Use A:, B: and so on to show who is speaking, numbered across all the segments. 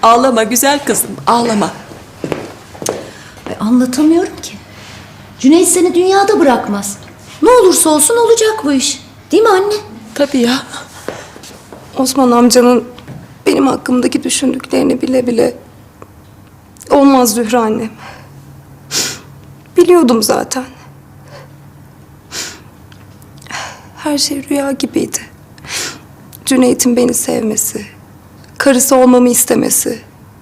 A: Ağlama güzel kızım, ağlama.
B: Ay, anlatamıyorum ki. Cüneyt seni dünyada bırakmaz. Ne olursa olsun olacak bu iş. Değil mi anne?
A: Tabii ya.
C: Osman amcanın benim hakkımdaki düşündüklerini bile bile olmaz Zühre annem. Biliyordum zaten. Her şey rüya gibiydi. Cüneyt'in beni sevmesi, karısı olmamı istemesi.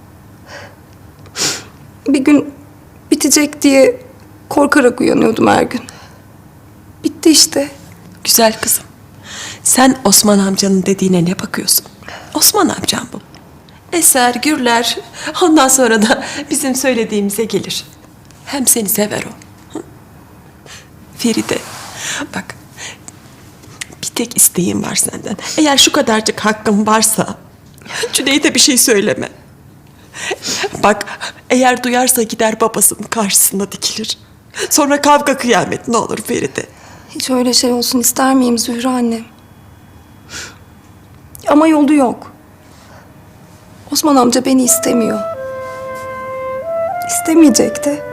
C: Bir gün bitecek diye korkarak uyanıyordum her gün. Bitti işte.
A: Güzel kızım. Sen Osman amcanın dediğine ne bakıyorsun? Osman amcam bu. Eser, gürler. Ondan sonra da bizim söylediğimize gelir. Hem seni sever o. Hı? Feride, bak. Bir tek isteğim var senden. Eğer şu kadarcık hakkım varsa Cüneyt'e bir şey söyleme. Bak, eğer duyarsa gider babasının karşısına dikilir. Sonra kavga kıyamet ne olur Feride.
C: Hiç öyle şey olsun ister miyim Zühre annem? Ama yolu yok. Osman amca beni istemiyor. İstemeyecek de.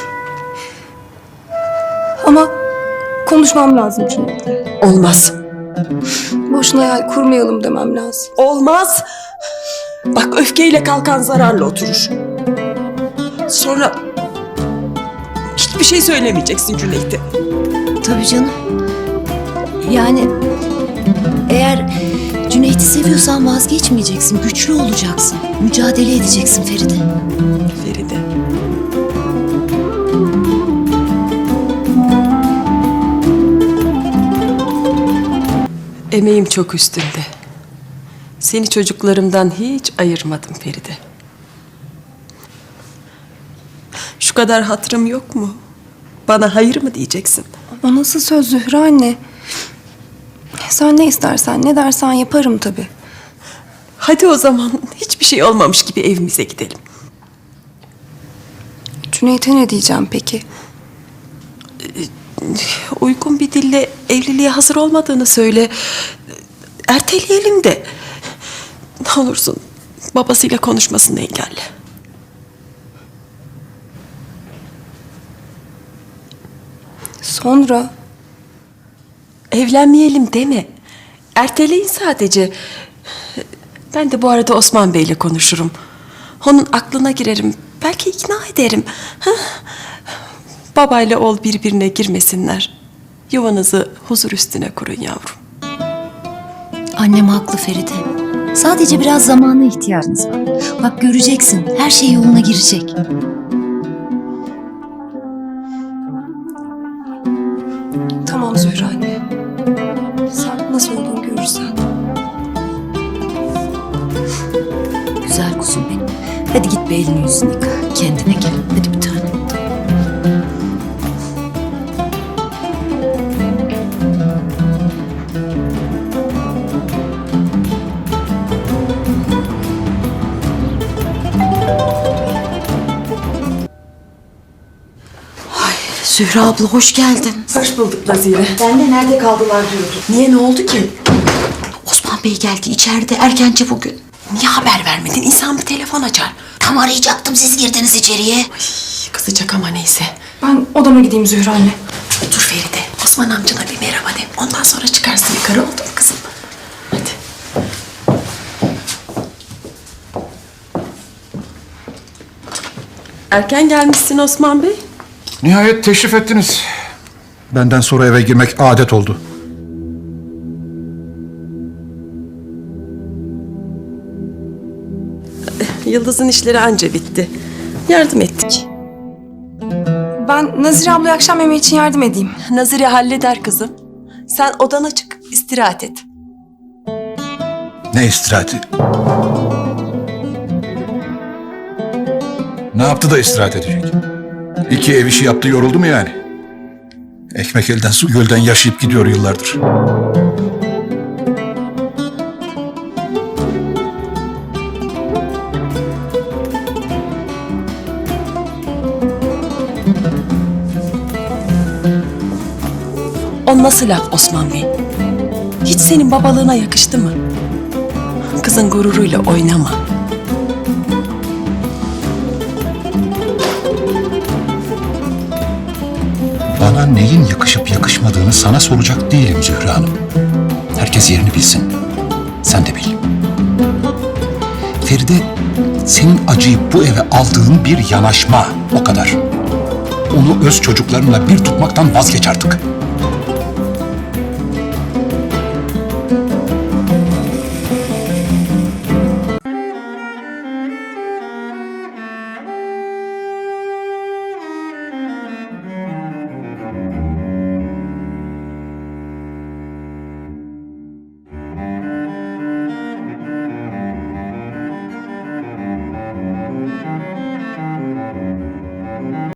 C: Ama konuşmam lazım Cüneyt'le.
A: Olmaz.
C: Boşuna hayal kurmayalım demem lazım.
A: Olmaz. Bak öfkeyle kalkan zararla oturur. Sonra hiçbir şey söylemeyeceksin Cüneyt'e.
B: Tabii canım. Yani eğer Cüneyt'i seviyorsan vazgeçmeyeceksin. Güçlü olacaksın. Mücadele edeceksin Feride.
A: Feride. Emeğim çok üstünde. Seni çocuklarımdan hiç ayırmadım Feride. Şu kadar hatırım yok mu? Bana hayır mı diyeceksin?
C: O nasıl söz Zühre anne? Sen ne istersen, ne dersen yaparım tabii.
A: Hadi o zaman hiçbir şey olmamış gibi evimize gidelim.
C: Cüneyt'e ne diyeceğim peki?
A: Uygun bir dille evliliğe hazır olmadığını söyle. Erteleyelim de. Ne olursun babasıyla konuşmasını engelle.
C: Sonra
A: Evlenmeyelim deme. Erteleyin sadece. Ben de bu arada Osman Bey'le konuşurum. Onun aklına girerim. Belki ikna ederim. Hah. Babayla oğul birbirine girmesinler. Yuvanızı huzur üstüne kurun yavrum.
B: Annem haklı Feride. Sadece biraz zamana ihtiyacınız var. Bak göreceksin. Her şey yoluna girecek.
C: tamam Zühre anne. Sen nasıl olduğunu görürsen.
B: Güzel kuzum benim. Hadi git bir elini yüzünü yıka. Kendine gel. Hadi bir tane. Zühre abla hoş geldin.
A: Hoş bulduk Nazire.
B: Ben de nerede kaldılar diyordum.
A: Niye, ne oldu ki?
B: Osman Bey geldi içeride erkence bugün.
A: Niye haber vermedin? İnsan bir telefon açar.
B: Tam arayacaktım siz girdiniz içeriye.
A: Kızacak ama neyse.
C: Ben odama gideyim Zühre anne.
A: Dur Feride, Osman amcana bir merhaba de. Ondan sonra çıkarsın yukarı, oldu mu kızım? Hadi. Erken gelmişsin Osman Bey.
D: Nihayet teşrif ettiniz. Benden sonra eve girmek adet oldu.
A: Yıldız'ın işleri anca bitti. Yardım ettik.
C: Ben Nazire ablaya akşam yemeği için yardım edeyim.
A: Nazire halleder kızım. Sen odana çık, istirahat et.
D: Ne istirahati? Ne yaptı da istirahat edecek? İki ev işi yaptı, yoruldu mu yani? Ekmek elden su gölden yaşayıp gidiyor yıllardır.
A: O nasıl laf Osman Bey? Hiç senin babalığına yakıştı mı? Kızın gururuyla oynama.
D: Çocuğa neyin yakışıp yakışmadığını sana soracak değilim Zühre Hanım. Herkes yerini bilsin. Sen de bil. Feride, senin acıyı bu eve aldığın bir yanaşma. O kadar. Onu öz çocuklarınla bir tutmaktan vazgeç artık.